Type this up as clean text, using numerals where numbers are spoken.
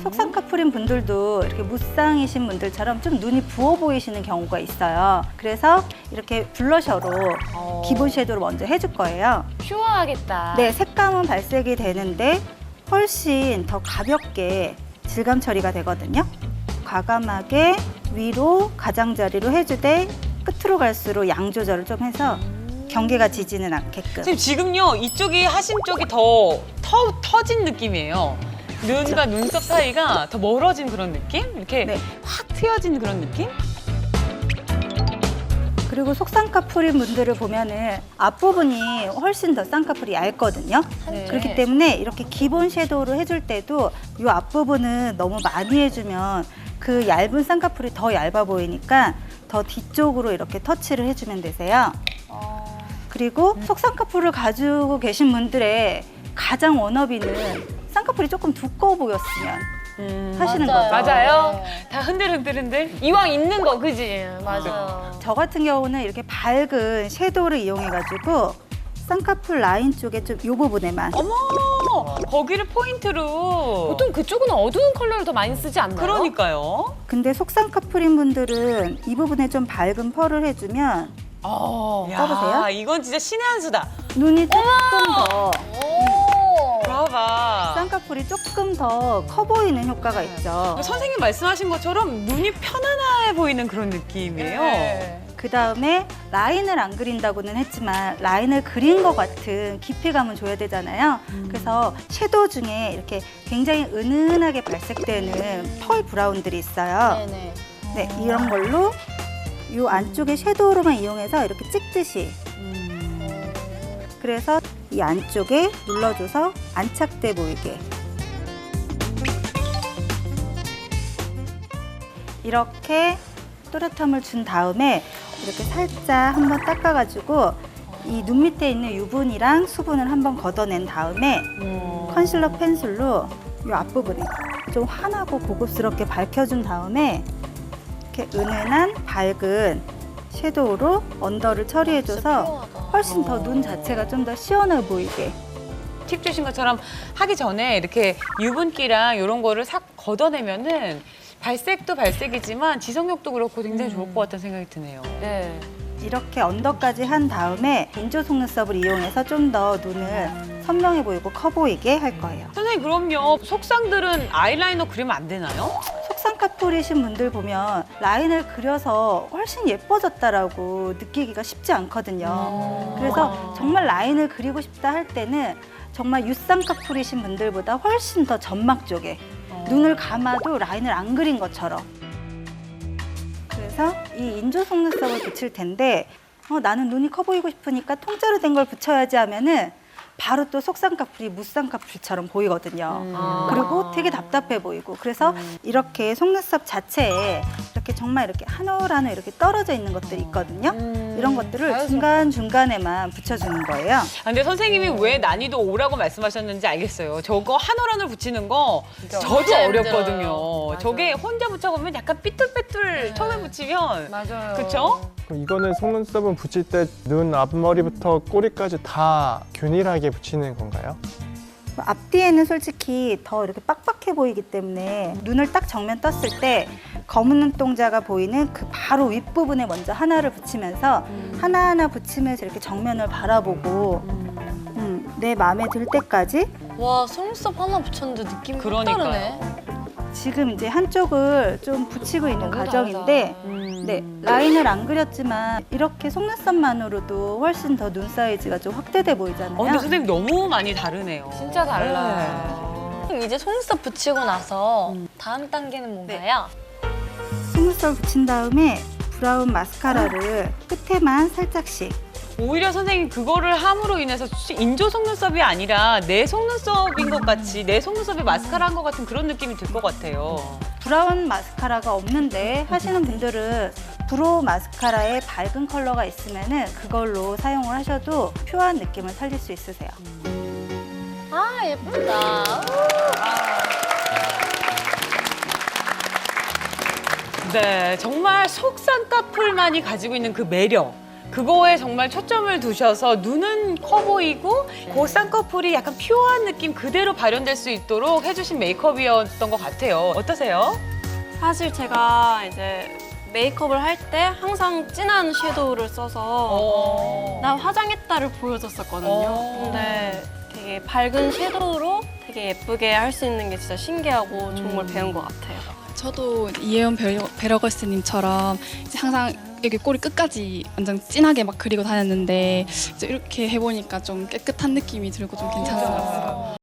속쌍꺼풀인 분들도 이렇게 무쌍이신 분들처럼 좀 눈이 부어 보이시는 경우가 있어요. 그래서 이렇게 블러셔로 기본 섀도우를 먼저 해줄 거예요. 퓨어하겠다. 네, 색감은 발색이 되는데 훨씬 더 가볍게 질감 처리가 되거든요. 과감하게 위로 가장자리로 해주되 끝으로 갈수록 양 조절을 좀 해서 경계가 지지는 않게끔. 선생님 지금요 이쪽이 하심 쪽이 더 터진 느낌이에요. 눈과 눈썹 사이가 더 멀어진 그런 느낌? 이렇게 네. 확 트여진 그런 느낌? 그리고 속쌍꺼풀인 분들을 보면은 앞부분이 훨씬 더 쌍꺼풀이 얇거든요. 네. 그렇기 때문에 이렇게 기본 섀도우를 해줄 때도 이 앞부분은 너무 많이 해주면 그 얇은 쌍꺼풀이 더 얇아 보이니까 더 뒤쪽으로 이렇게 터치를 해주면 되세요. 그리고 속쌍꺼풀을 가지고 계신 분들의 가장 워너비는 쌍꺼풀이 조금 두꺼워 보였으면 하시는 거죠. 맞아요. 네. 다 흔들흔들. 이왕 있는 거, 그지? 맞아요. 저 같은 경우는 이렇게 밝은 섀도우를 이용해가지고 쌍꺼풀 라인 쪽에 좀 이 부분에만 어머 거기를 포인트로. 보통 그쪽은 어두운 컬러를 더 많이 쓰지 않나요? 그러니까요. 근데 속쌍꺼풀인 분들은 이 부분에 좀 밝은 펄을 해주면 야, 써보세요. 이건 진짜 신의 한 수다. 눈이 조금 더 오. 봐봐. 쌍꺼풀이 조금 더 커 보이는 효과가 있죠. 선생님 말씀하신 것처럼 눈이 편안해 보이는 그런 느낌이에요. 네. 그 다음에 라인을 안 그린다고는 했지만 라인을 그린 것 같은 깊이감은 줘야 되잖아요. 그래서 섀도우 중에 이렇게 굉장히 은은하게 발색되는 펄 브라운들이 있어요. 네네. 네, 이런 걸로 이 안쪽에 섀도우로만 이용해서 이렇게 찍듯이. 그래서 이 안쪽에 눌러줘서 안착돼 보이게. 이렇게 또렷함을 준 다음에 이렇게 살짝 한번 닦아가지고 이 눈 밑에 있는 유분이랑 수분을 한번 걷어낸 다음에 컨실러 펜슬로 이 앞부분에 좀 환하고 고급스럽게 밝혀준 다음에 이렇게 은은한 밝은 섀도우로 언더를 처리해줘서 훨씬 더 눈 자체가 좀 더 시원해 보이게. 팁 주신 것처럼 하기 전에 이렇게 유분기랑 이런 거를 싹 걷어내면은 발색도 발색이지만 지속력도 그렇고 굉장히 좋을 것 같다는 생각이 드네요. 네. 이렇게 언더까지 한 다음에 인조 속눈썹을 이용해서 좀 더 눈을 선명해 보이고 커 보이게 할 거예요. 선생님 그럼요. 속상들은 아이라이너 그리면 안 되나요? 속쌍꺼풀이신 분들 보면 라인을 그려서 훨씬 예뻐졌다라고 느끼기가 쉽지 않거든요. 그래서 정말 라인을 그리고 싶다 할 때는 정말 유쌍꺼풀이신 분들보다 훨씬 더 점막 쪽에 눈을 감아도 라인을 안 그린 것처럼. 그래서 이 인조 속눈썹을 붙일 텐데 나는 눈이 커 보이고 싶으니까 통째로 된 걸 붙여야지 하면은 바로 또 속쌍꺼풀이 무쌍꺼풀처럼 보이거든요. 그리고 되게 답답해 보이고. 그래서 이렇게 속눈썹 자체에 이렇게 정말 이렇게 한올 이렇게 떨어져 있는 것들이 있거든요. 이런 것들을 중간중간에만 붙여주는 거예요. 아, 근데 선생님이 왜 난이도 5라고 말씀하셨는지 알겠어요. 저거 한 올 한 올 붙이는 거 저도 진짜 어렵거든요. 힘들어요. 맞아요. 저게 혼자 붙여보면 약간 삐뚤빼뚤 처음에 붙이면 맞아요. 그쵸? 그럼 이거는 속눈썹은 붙일 때 눈 앞머리부터 꼬리까지 다 균일하게 붙이는 건가요? 앞뒤에는 솔직히 더 이렇게 빡빡해 보이기 때문에 눈을 딱 정면 떴을 때 검은 눈동자가 보이는 그 바로 윗부분에 먼저 하나를 붙이면서 하나하나 붙이면서 이렇게 정면을 바라보고 내 마음에 들 때까지 와, 속눈썹 하나 붙였는데 느낌이 확 그러니까요. 다르네. 지금 이제 한쪽을 좀 붙이고 있는 너무 과정인데 네, 라인을 안 그렸지만 이렇게 속눈썹만으로도 훨씬 더 눈 사이즈가 좀 확대돼 보이잖아요. 근데 선생님 너무 많이 다르네요. 진짜 달라요. 그럼 이제 속눈썹 붙이고 나서 다음 단계는 뭔가요? 속눈썹 붙인 다음에 브라운 마스카라를 끝에만 살짝씩 오히려 선생님 그거를 함으로 인해서 인조 속눈썹이 아니라 내 속눈썹인 것 같이 내 속눈썹에 마스카라 한 것 같은 그런 느낌이 들 것 같아요. 브라운 마스카라가 없는데 하시는 분들은 브로우 마스카라에 밝은 컬러가 있으면은 그걸로 사용을 하셔도 퓨어한 느낌을 살릴 수 있으세요. 아, 예쁘다. 네, 정말 속쌍꺼풀만이 가지고 있는 그 매력. 그거에 정말 초점을 두셔서 눈은 커 보이고 그 쌍꺼풀이 약간 퓨어한 느낌 그대로 발현될 수 있도록 해주신 메이크업이었던 것 같아요. 어떠세요? 사실 제가 이제 메이크업을 할 때 항상 진한 섀도우를 써서 나 화장했다를 보여줬었거든요. 근데 되게 밝은 섀도우로 되게 예쁘게 할 수 있는 게 진짜 신기하고 좋은 걸 배운 것 같아요. 저도 이혜연 베러걸스님처럼 이제 항상 여기 꼬리 끝까지 완전 진하게 막 그리고 다녔는데 이제 이렇게 해보니까 좀 깨끗한 느낌이 들고 좀 괜찮은 것 같아요.